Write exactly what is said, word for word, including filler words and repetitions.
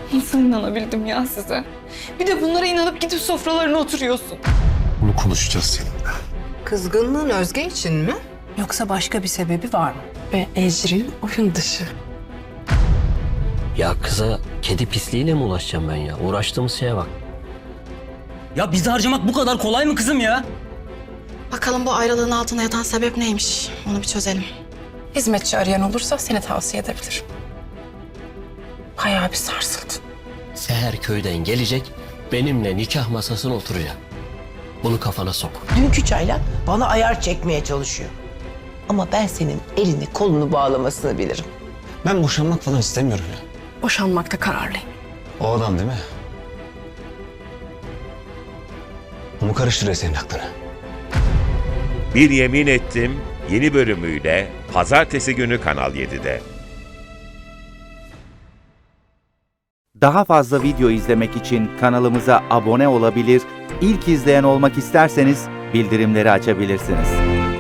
Nasıl inanabildim ya size? Bir de bunlara inanıp gidip sofralarına oturuyorsun. Bunu konuşacağız seninle. Kızgınlığın Özge için mi? Yoksa başka bir sebebi var mı? Ve Ecrin oyun dışı. Ya kıza kedi pisliğiyle mi ulaşacağım ben ya? Uğraştığımız şeye bak. Ya bizi harcamak bu kadar kolay mı kızım ya? Bakalım bu ayrılığın altında yatan sebep neymiş? Onu bir çözelim. Hizmetçi arayan olursa seni tavsiye edebilirim. Bayağı bir sarsıldın. Seher köyden gelecek, benimle nikah masasına oturacak. Bunu kafana sok. Dünkü çayla bana ayar çekmeye çalışıyor. Ama ben senin elini kolunu bağlamasını bilirim. Ben boşanmak falan istemiyorum ya. Boşanmakta kararlıyım. O adam değil mi? O mu karıştırıyor senin aklını? Bir Yemin Ettim yeni bölümüyle Pazartesi günü Kanal yedide. Daha fazla video izlemek için kanalımıza abone olabilir, ilk izleyen olmak isterseniz bildirimleri açabilirsiniz.